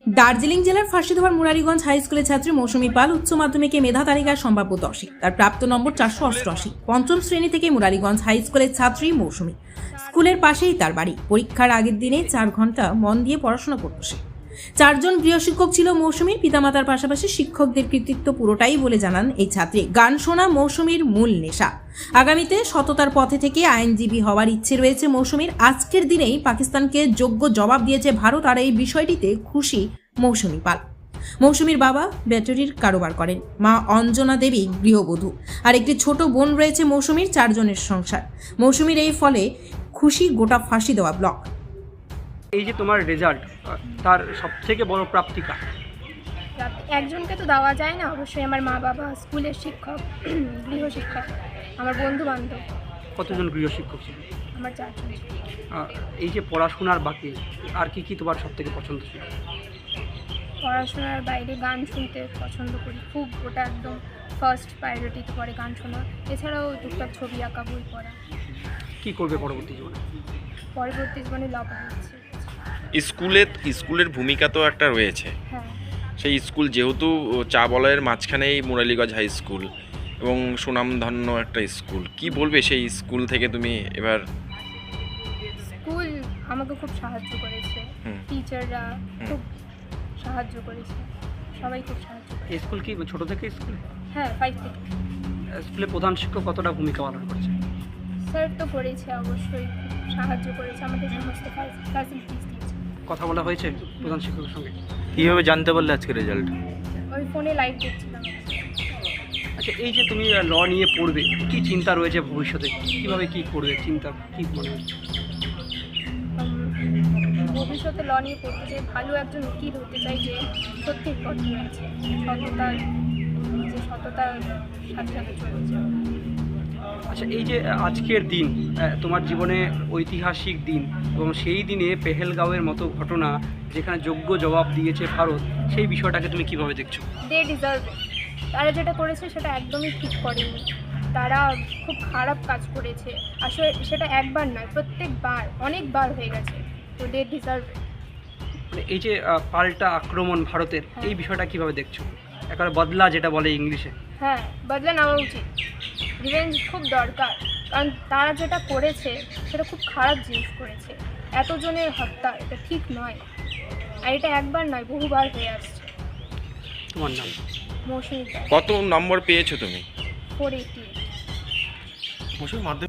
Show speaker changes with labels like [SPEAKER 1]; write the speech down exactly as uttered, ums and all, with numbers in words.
[SPEAKER 1] দার্জিলিং জেলার ফাঁসিধোয়ার মুরারিগঞ্জ হাই স্কুলের ছাত্রী মৌসুমী পাল উচ্চ মাধ্যমিকে মেধা তালিকায় সম্ভাব্য দশে, তার প্রাপ্ত নম্বর চারশো অষ্টআশি। পঞ্চম শ্রেণী থেকে মুরারিগঞ্জ হাই স্কুলের ছাত্রী মৌসুমী। স্কুলের পাশেই তার বাড়ি। পরীক্ষার আগের দিনে চার ঘন্টা মন দিয়ে পড়াশোনা করত সে। চারজন গৃহশিক্ষক ছিল মৌসুমীর। পিতামাতার পাশাপাশি শিক্ষকদের কৃতিত্ব পুরোটাই বলে জানান এই ছাত্রী। গান শোনা মৌসুমীর মূল নেশা। আগামীতে সততার পথে থেকে আইনজীবী হওয়ার ইচ্ছে রয়েছে মৌসুমীর। আজকের দিনেই পাকিস্তানকে যোগ্য জবাব দিয়েছে ভারত, আর এই বিষয়টিতে খুশি মৌসুমী পাল। মৌসুমীর বাবা ব্যাটারির কারোবার করেন, মা অঞ্জনা দেবী গৃহবধূ, আর একটি ছোট বোন রয়েছে মৌসুমীর। চারজনের সংসার। মৌসুমীর এই ফলে খুশি গোটা ফাঁসি দেওয়া ব্লক।
[SPEAKER 2] এই যে তোমার রেজাল্ট, তার সব থেকে বড় প্রাপ্তিকা
[SPEAKER 3] একজনকে তো দেওয়া যায় না, অবশ্যই আমার মা বাবা, স্কুলের শিক্ষক, গৃহশিক্ষক, আমার বন্ধু বান্ধব।
[SPEAKER 2] কতজন গৃহশিক্ষক ছিল?
[SPEAKER 3] আমার চারজন।
[SPEAKER 2] এই যে পড়াশোনার বাকি আর কি কি তোমার সব থেকে পছন্দ ছিল?
[SPEAKER 3] পড়াশোনার বাইরে গান শুনতে পছন্দ করি খুব, ওটা একদম ফার্স্ট প্রায়োরিটিতে পড়ে গান শোনা। এছাড়াও টুকটাক ছবি আঁকা, বই পড়া।
[SPEAKER 2] কি করবে পরবর্তী জীবনে?
[SPEAKER 3] পরবর্তী জীবনে ল পড়াচ্ছি।
[SPEAKER 4] স্কুলে স্কুলের ভূমিকা তো একটা রয়েছে।
[SPEAKER 3] হ্যাঁ,
[SPEAKER 4] সেই স্কুল যেহেতু চা বলয়ের মাঝখানেই মুরালিগঞ্জ হাই স্কুল এবং সুনামধন্য একটা স্কুল, কি বলবে সেই স্কুল থেকে তুমি এবার?
[SPEAKER 3] স্কুল আমাকে খুব সাহায্য করেছে, টিচাররা খুব সাহায্য করেছে, সবাই খুব সাহায্য করেছে।
[SPEAKER 2] এই স্কুল কি ছোট থেকে স্কুল?
[SPEAKER 3] হ্যাঁ, ফাইভ থেকে।
[SPEAKER 2] স্কুলে প্রধান শিক্ষক কতটা ভূমিকা পালন করছে?
[SPEAKER 3] স্যার তো করেছে, অবশ্যই খুব সাহায্য করেছে, আমাদের সমস্ত ফ্যাসিলিটিস দিয়েছে।
[SPEAKER 2] কথা বলা হয়েছে প্রধান শিক্ষকের সঙ্গে?
[SPEAKER 5] কীভাবে জানতে পারলে আজকে রেজাল্ট?
[SPEAKER 3] ওই ফোনে লাইভ দেখছিলাম।
[SPEAKER 2] আচ্ছা, এই যে তুমি ল নিয়ে পড়বে, কি চিন্তা রয়েছে ভবিষ্যতে? কিভাবে কি করবে চিন্তা, কি মনে হচ্ছে?
[SPEAKER 3] ভবিষ্যতে ল নিয়ে পড়তে চাই, ভালো একজন উকিল হতে চাই, যে সত্যি কঠোর আছে, সততার যে সততার সাথে সাথে চলেছে।
[SPEAKER 2] আচ্ছা, এই যে আজকের দিন তোমার জীবনে ঐতিহাসিক দিন, এবং সেই দিনে পেহেলগাঁওয়ের মতো ঘটনা যেখানে যোগ্য জবাব দিয়েছে ভারত, সেই বিষয়টাকে তুমি কিভাবে দেখছো?
[SPEAKER 3] They deserve it. তারা যেটা করেছে সেটা একদমই ঠিক করেনি, তারা খুব খারাপ কাজ করেছে। আসলে সেটা একবার নয়, প্রত্যেকবার অনেকবার হয়ে গেছে। তো দে ডিজার্ভ ইট।
[SPEAKER 2] মানে এই যে পাল্টা আক্রমণ ভারতের, এই বিষয়টা কিভাবে দেখছো? একেবারে বদলা যেটা বলে ইংলিশে।
[SPEAKER 3] হ্যাঁ, বদলা নেওয়া উচিত। রিভেঞ্জ খুব দরকার, কারণ তারা যেটা করেছে সেটা খুব খারাপ জিনিস করেছে। এতজনের হত্যা, এটা ঠিক নয়, আর এটা একবার নয়, বহুবার হয়ে আসছে।
[SPEAKER 2] তোমার নাম?
[SPEAKER 3] মৌসুমী।
[SPEAKER 4] কত নম্বর পেয়েছো তুমি?
[SPEAKER 3] Four eighty.
[SPEAKER 4] মৌসুমী মাধ্যমিক